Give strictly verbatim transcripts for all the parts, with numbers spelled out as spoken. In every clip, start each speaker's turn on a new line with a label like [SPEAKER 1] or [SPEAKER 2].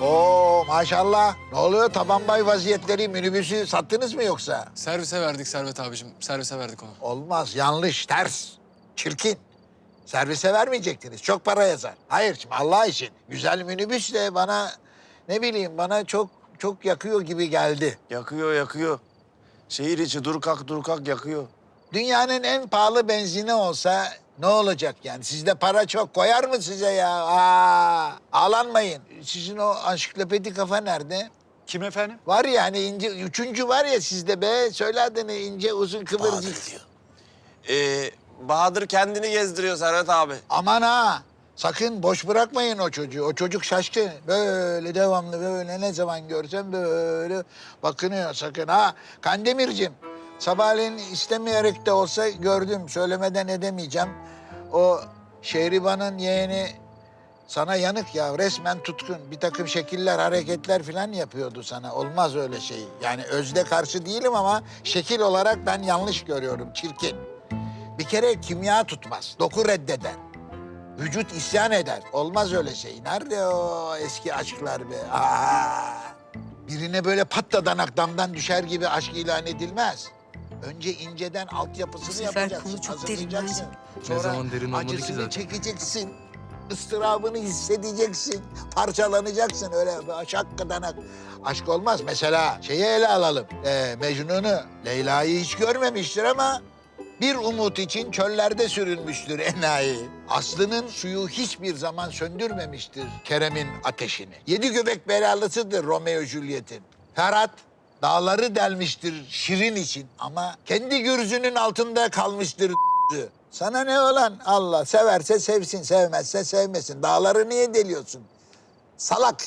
[SPEAKER 1] Oo maşallah. Ne oluyor taban bay vaziyetleri, minibüsü sattınız mı yoksa?
[SPEAKER 2] Servise verdik Servet abicim. Servise verdik onu.
[SPEAKER 1] Olmaz, yanlış, ters, çirkin. Servise vermeyecektiniz, çok para yazar. Hayır, şimdi Allah için güzel minibüs de bana ne bileyim bana çok çok yakıyor gibi geldi.
[SPEAKER 3] Yakıyor, yakıyor. Şehir içi dur kalk dur kalk yakıyor.
[SPEAKER 1] Dünyanın en pahalı benzini olsa ne olacak yani? Sizde para çok koyar mı size ya? Aa, ağlanmayın. Sizin o ansiklopedi kafa nerede?
[SPEAKER 4] Kim efendim?
[SPEAKER 1] Var ya hani ince, üçüncü var ya sizde be. Söyle adını ince uzun kıvırcık.
[SPEAKER 3] Bahadır diyor. Ee, Bahadır kendini gezdiriyor Servet abi.
[SPEAKER 1] Aman ha. Sakın boş bırakmayın o çocuğu. O çocuk şaşkın. Böyle devamlı böyle ne zaman görsem böyle bakınıyor sakın ha. Kandemir'cim sabahleyin istemeyerek de olsa gördüm. Söylemeden edemeyeceğim. O Şehriban'ın yeğeni sana yanık ya. Resmen tutkun. Bir takım şekiller, hareketler falan yapıyordu sana. Olmaz öyle şey. Yani özde karşı değilim ama şekil olarak ben yanlış görüyorum. Çirkin. Bir kere kimya tutmaz. Doku reddeder. Vücut isyan eder. Olmaz öyle şey. Nerede o eski aşklar be? Aa! Birine böyle patladanak damdan düşer gibi aşk ilan edilmez. Önce inceden altyapısını
[SPEAKER 5] sefer
[SPEAKER 1] yapacaksın.
[SPEAKER 5] konu çok
[SPEAKER 1] hazırlayacaksın.
[SPEAKER 5] derin
[SPEAKER 1] Sonra
[SPEAKER 2] Ne zaman derin olmadı ki
[SPEAKER 1] acısını
[SPEAKER 2] zaten.
[SPEAKER 1] çekeceksin. ıstırabını hissedeceksin. Parçalanacaksın öyle şakkadanak. Aşk olmaz. Mesela şeyi ele alalım. Ee, Mecnun'u. Leyla'yı hiç görmemiştir ama bir umut için çöllerde sürünmüştür enayi. Aslı'nın suyu hiçbir zaman söndürmemiştir Kerem'in ateşini. Yedi göbek belalısıdır Romeo Juliet'in. Ferhat dağları delmiştir Şirin için ama kendi gürzünün altında kalmıştır. Sana ne olan Allah severse sevsin, sevmezse sevmesin. Dağları niye deliyorsun? Salak.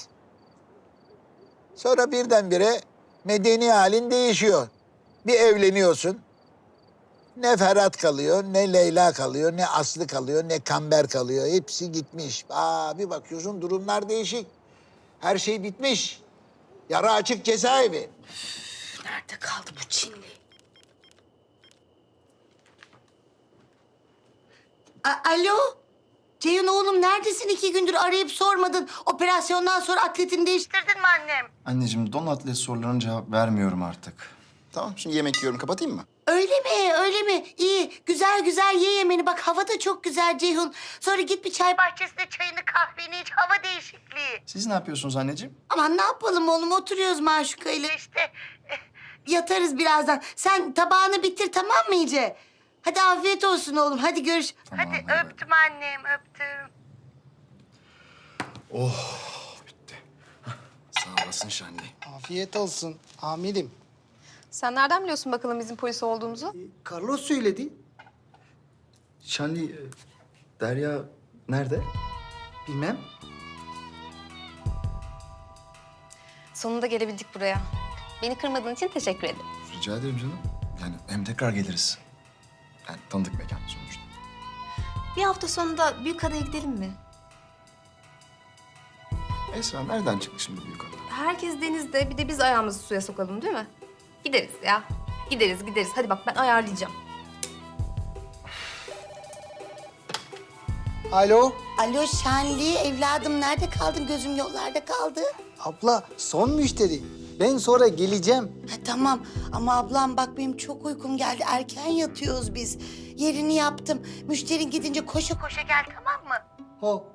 [SPEAKER 1] Sonra birdenbire medeni halin değişiyor. Bir evleniyorsun. Ne Ferhat kalıyor, ne Leyla kalıyor, ne Aslı kalıyor, ne Kamber kalıyor. Hepsi gitmiş. Aa, bir bakıyorsun durumlar değişik. Her şey bitmiş. Yara açık cezaevi.
[SPEAKER 5] Nerede kaldı bu Çinli?
[SPEAKER 6] A- Alo? Ceyhun oğlum neredesin? İki gündür arayıp sormadın. Operasyondan sonra atletini değiştirdin mi annem?
[SPEAKER 7] Anneciğim don atlet sorularına cevap vermiyorum artık. Tamam şimdi yemek yiyorum kapatayım mı?
[SPEAKER 6] Öyle mi? Öyle mi? İyi. Güzel güzel ye yemeni. Bak hava da çok güzel Ceyhun. Sonra git bir çay bahçesinde çayını kahveni iç. Hava değişikliği.
[SPEAKER 7] Siz ne yapıyorsunuz anneciğim?
[SPEAKER 6] Aman ne yapalım oğlum? Oturuyoruz Maşuka ile işte. Eh, Yatarız birazdan. Sen tabağını bitir tamam mı iyice? Hadi afiyet olsun oğlum. Hadi görüş.
[SPEAKER 7] Tamam,
[SPEAKER 6] Hadi
[SPEAKER 7] hadi bay bay.
[SPEAKER 6] öptüm annem öptüm.
[SPEAKER 7] Bitti. Hah, sağ olasın Şanlı.
[SPEAKER 8] Afiyet olsun amirim.
[SPEAKER 5] Sen nereden biliyorsun bakalım bizim polis olduğumuzu?
[SPEAKER 8] Carlos söyledi.
[SPEAKER 7] Şanlı, e, Derya nerede?
[SPEAKER 8] Bilmem.
[SPEAKER 5] Sonunda gelebildik buraya. Beni kırmadığın için teşekkür ederim.
[SPEAKER 7] Rica ederim canım. Yani hem tekrar geliriz. Yani tanıdık mekan sonuçta.
[SPEAKER 5] Bir hafta sonunda Büyükada'ya gidelim mi?
[SPEAKER 7] Esra nereden çıktı şimdi büyük adam?
[SPEAKER 5] Herkes denizde, bir de biz ayağımızı suya sokalım değil mi? Gideriz ya. Gideriz, gideriz. Hadi bak ben ayarlayacağım.
[SPEAKER 8] Alo.
[SPEAKER 6] Alo Şenli evladım nerede kaldın? Gözüm yollarda kaldı.
[SPEAKER 8] Abla son müşteri. Ben sonra geleceğim.
[SPEAKER 6] Ha, tamam ama ablam bak benim çok uykum geldi. Erken yatıyoruz biz. Yerini yaptım. Müşterin gidince koşa koşa gel tamam mı?
[SPEAKER 8] Ho.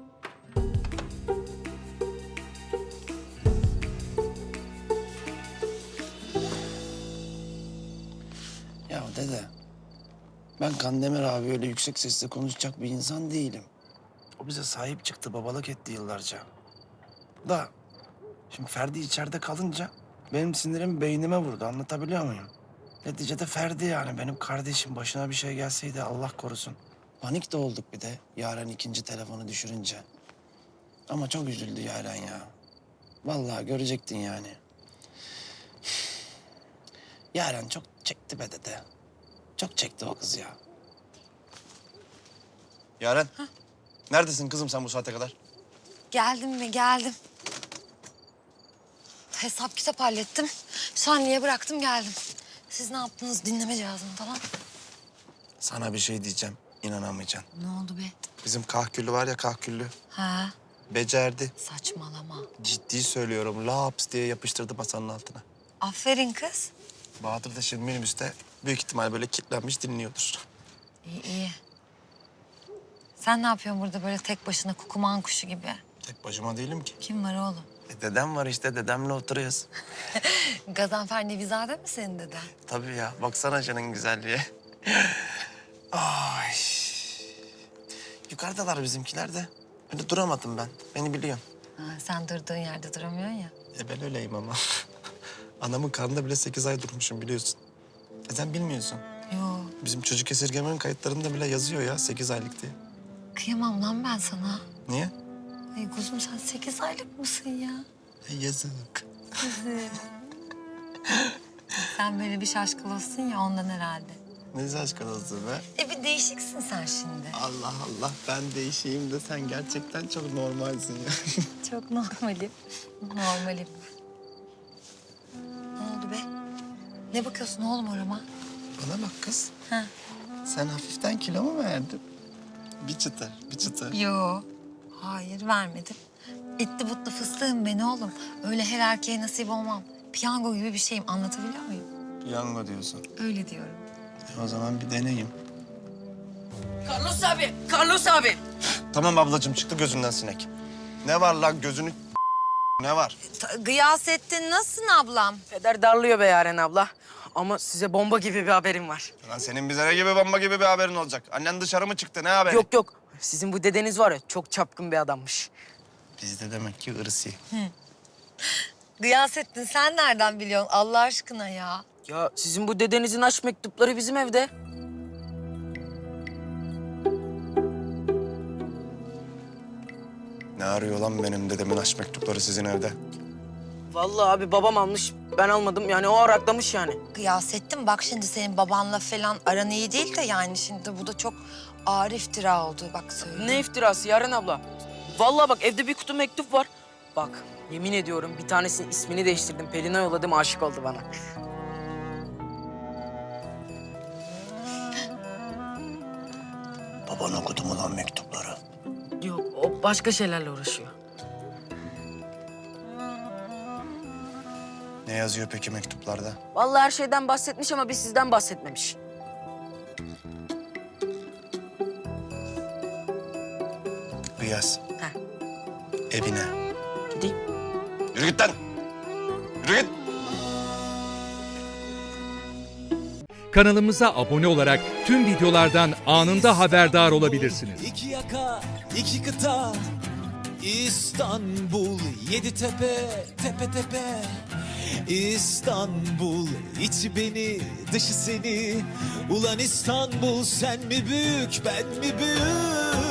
[SPEAKER 3] Ya dede, ben Kandemir abi öyle yüksek sesle konuşacak bir insan değilim. O bize sahip çıktı, babalık etti yıllarca. Da şimdi Ferdi içeride kalınca benim sinirim beynime vurdu, anlatabiliyor muyum? Neticede Ferdi yani benim kardeşim, başına bir şey gelseydi Allah korusun. Panik de olduk bir de Yaren ikinci telefonu düşürünce. Ama çok üzüldü Yaren ya. Vallahi görecektin yani. Yaren çok çekti be dede. Çok çekti o kız ya. Yaren, neredesin kızım sen bu saate kadar?
[SPEAKER 9] Geldim mi? Geldim. Hesap kitap hallettim. Şanlı'ya bıraktım geldim. Siz ne yaptınız? Dinleme cihazını falan.
[SPEAKER 3] Sana bir şey diyeceğim, inanamayacaksın.
[SPEAKER 9] Ne oldu be?
[SPEAKER 3] Bizim kahküllü var ya kahküllü.
[SPEAKER 9] Ha.
[SPEAKER 3] Becerdi.
[SPEAKER 9] Saçmalama.
[SPEAKER 3] Ciddi söylüyorum. Laps diye yapıştırdı masanın altına.
[SPEAKER 9] Aferin kız.
[SPEAKER 3] Bahadır da şimdi minibüste büyük ihtimal böyle kilitlenmiş dinliyordur.
[SPEAKER 9] İyi iyi. Sen ne yapıyorsun burada böyle tek başına kukuman kuşu gibi?
[SPEAKER 3] Tek başıma değilim ki.
[SPEAKER 9] Kim var oğlum?
[SPEAKER 3] E, dedem var işte, dedemle oturuyoruz.
[SPEAKER 9] Gazanfer Nevizade mi senin deden?
[SPEAKER 3] Tabii ya, baksana canın güzelliğe. Ay. Yukarıdalar bizimkiler de. Öyle duramadım ben, beni biliyorsun.
[SPEAKER 9] Ha, sen durduğun yerde duramıyorsun ya.
[SPEAKER 3] E ben öyleyim ama. Anamın karnında bile sekiz ay durmuşum biliyorsun. E sen bilmiyorsun.
[SPEAKER 9] Yo,
[SPEAKER 3] Bizim çocuk esirgemenin kayıtlarında bile yazıyor ya sekiz aylık diye.
[SPEAKER 9] kıyamam lan ben sana.
[SPEAKER 3] Niye?
[SPEAKER 9] Ay kuzum sen sekiz aylık mısın ya?
[SPEAKER 3] E, yazık.
[SPEAKER 9] Sen böyle bir şaşkalosun ya ondan herhalde.
[SPEAKER 3] Ne şaşkın olsun be.
[SPEAKER 9] E bir değişiksin sen şimdi.
[SPEAKER 3] Allah Allah, ben değişeyim de sen gerçekten çok normalsin ya.
[SPEAKER 9] Çok normalim. Normalim. Ne oldu be? Ne bakıyorsun oğlum orama?
[SPEAKER 3] Bana bak kız.
[SPEAKER 9] Ha.
[SPEAKER 3] Sen hafiften kilo mu verdin? Bir çıtır, bir çıtır.
[SPEAKER 9] Yo. Hayır vermedim. Etli butlu fıstığım ben oğlum. Öyle her erkeğe nasip olmam. Piyango gibi bir şeyim. Anlatabiliyor muyum?
[SPEAKER 3] Piyango diyorsun.
[SPEAKER 9] Öyle diyorum.
[SPEAKER 3] E, o zaman bir deneyim.
[SPEAKER 4] Carlos abi, Carlos abi.
[SPEAKER 3] Tamam ablacığım, çıktı gözünden sinek. Ne var lan gözünü ne var?
[SPEAKER 9] Ta- Gıyasettin nasılsın ablam?
[SPEAKER 4] Peder darlıyor be Yaren abla. Ama size bomba gibi bir haberim var.
[SPEAKER 3] Lan senin bize ne gibi bomba gibi bir haberin olacak? Annen dışarı mı çıktı, ne haberi?
[SPEAKER 4] Yok yok, sizin bu dedeniz var ya çok çapkın bir adammış.
[SPEAKER 3] Bizde demek ki ırsi.
[SPEAKER 9] Gıyasettin sen nereden biliyorsun Allah aşkına ya?
[SPEAKER 4] Ya sizin bu dedenizin aşk mektupları bizim evde.
[SPEAKER 3] Ne arıyor lan benim dedemin aşk mektupları sizin evde?
[SPEAKER 4] Vallahi abi babam almış, ben almadım. Yani o araklamış yani.
[SPEAKER 9] Gıyasettin bak şimdi senin babanla falan aran iyi değil de yani şimdi bu da çok ağır iftira oldu bak söyleyeyim.
[SPEAKER 4] Ne iftirası Yaren abla? Vallahi bak evde bir kutu mektup var. Bak yemin ediyorum bir tanesinin ismini değiştirdim. Pelin'e yolladım, aşık oldu bana.
[SPEAKER 3] Baban okudu mu lan mektupları?
[SPEAKER 4] Yok o başka şeylerle uğraşıyor.
[SPEAKER 3] Ne yazıyor peki mektuplarda?
[SPEAKER 4] Vallahi her şeyden bahsetmiş ama bir sizden bahsetmemiş.
[SPEAKER 3] Bir yaz.
[SPEAKER 4] Ha.
[SPEAKER 3] Evine.
[SPEAKER 4] Gideyim.
[SPEAKER 3] Yürü git lan! Yürü git!
[SPEAKER 10] Kanalımıza abone olarak tüm videolardan anında haberdar olabilirsiniz.
[SPEAKER 11] İki yaka, iki kıta, İstanbul, yedi tepe, tepe tepe. İstanbul, içi beni, dışı seni. Ulan İstanbul, sen mi büyük, ben mi büyük?